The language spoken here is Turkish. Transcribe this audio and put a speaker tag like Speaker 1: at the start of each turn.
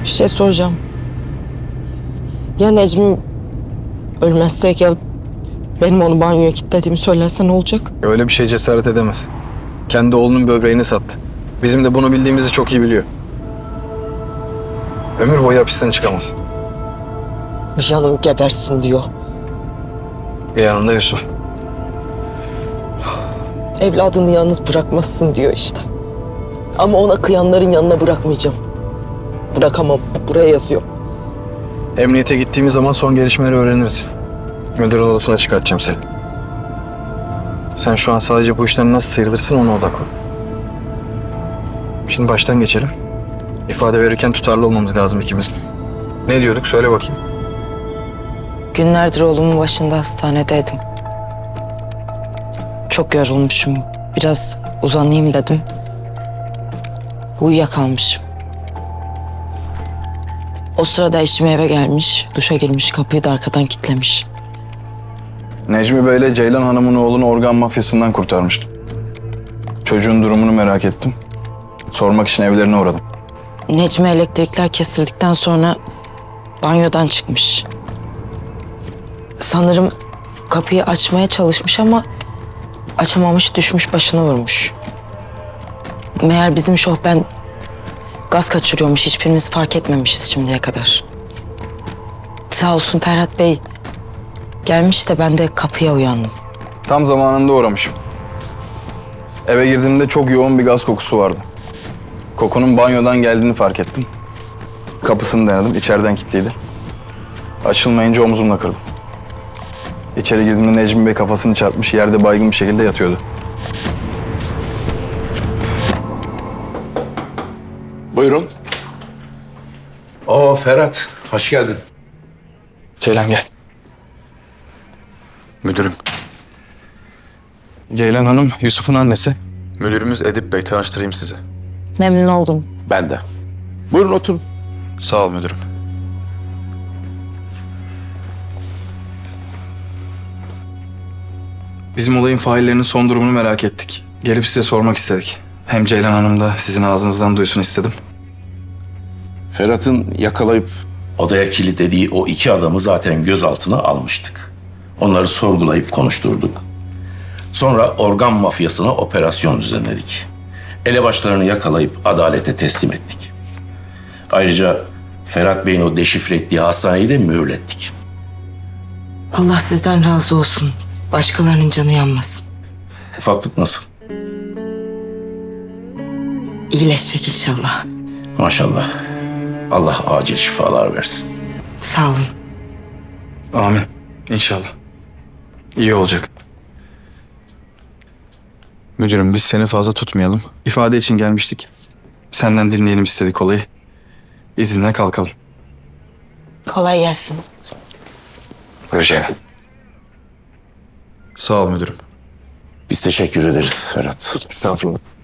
Speaker 1: Bir şey soracağım. Ya Necmi ölmezsek ya benim onu banyoya kilitlediğimi söylerse ne olacak?
Speaker 2: Öyle bir şey cesaret edemez. Kendi oğlunun böbreğini sattı. Bizim de bunu bildiğimizi çok iyi biliyor. Ömür boyu hapisten çıkamaz.
Speaker 1: Canım gebersin diyor.
Speaker 2: Yanında Yusuf.
Speaker 1: Evladını yalnız bırakmazsın diyor işte. Ama ona kıyanların yanına bırakmayacağım. Bırakamam. Buraya yazıyor.
Speaker 2: Emniyete gittiğimiz zaman son gelişmeleri öğreniriz. Müdürün odasına çıkartacağım seni. Sen şu an sadece bu işten nasıl sıyrılırsın ona odaklan. Şimdi baştan geçelim. İfade verirken tutarlı olmamız lazım ikimiz. Ne diyorduk? Söyle bakayım.
Speaker 1: Günlerdir oğlumun başında hastanedeydim. Çok yorulmuşum. Biraz uzanayım dedim. Uyuyakalmışım. O sırada eşim eve gelmiş, duşa girmiş, kapıyı da arkadan kilitlemiş.
Speaker 2: Necmi Bey'le Ceylan Hanım'ın oğlunu organ mafyasından kurtarmıştım. Çocuğun durumunu merak ettim. Sormak için evlerine uğradım.
Speaker 1: Necmi elektrikler kesildikten sonra banyodan çıkmış. Sanırım kapıyı açmaya çalışmış ama açamamış, düşmüş, başını vurmuş. Meğer bizim şofben gaz kaçırıyormuş, hiçbirimiz fark etmemişiz şimdiye kadar. Sağ olsun Ferhat Bey gelmiş de ben de kapıya uyandım.
Speaker 2: Tam zamanında uğramışım. Eve girdiğimde çok yoğun bir gaz kokusu vardı. Kokunun banyodan geldiğini fark ettim. Kapısını denedim, içeriden kilitliydi. Açılmayınca omzumla kırdım. İçeri girdiğimde Necmi Bey kafasını çarpmış, yerde baygın bir şekilde yatıyordu.
Speaker 3: Buyurun. Ferhat, hoş geldin.
Speaker 2: Ceylan gel.
Speaker 4: Müdürüm,
Speaker 2: Ceylan Hanım, Yusuf'un annesi.
Speaker 4: müdürümüz Edip Bey, tanıştırayım sizi.
Speaker 1: Memnun oldum.
Speaker 3: Ben de. Buyurun oturun.
Speaker 4: Sağ ol müdürüm.
Speaker 2: Bizim olayın faillerinin son durumunu merak ettik. Gelip size sormak istedik. Hem Ceylan Hanım da sizin ağzınızdan duysun istedim.
Speaker 3: Ferhat'ın yakalayıp odaya kilitlediği o iki adamı zaten gözaltına almıştık. Onları sorgulayıp konuşturduk. Sonra organ mafyasına operasyon düzenledik. Elebaşlarını yakalayıp adalete teslim ettik. Ayrıca Ferhat Bey'in o deşifre ettiği hastaneyi de mühürlettik.
Speaker 1: Allah sizden razı olsun. Başkalarının canı yanmasın.
Speaker 3: Ufaklık nasıl?
Speaker 1: İyileşecek inşallah.
Speaker 3: Maşallah. Allah acil şifalar versin.
Speaker 1: Sağ olun.
Speaker 2: Amin. İnşallah. İyi olacak. Müdürüm biz seni fazla tutmayalım. İfade için gelmiştik. Senden dinleyelim istedik olayı. İzinle kalkalım.
Speaker 1: Kolay gelsin.
Speaker 2: Buyur Ceylan. Sağ ol müdürüm.
Speaker 3: Biz teşekkür ederiz Ferhat.
Speaker 2: Estağfurullah.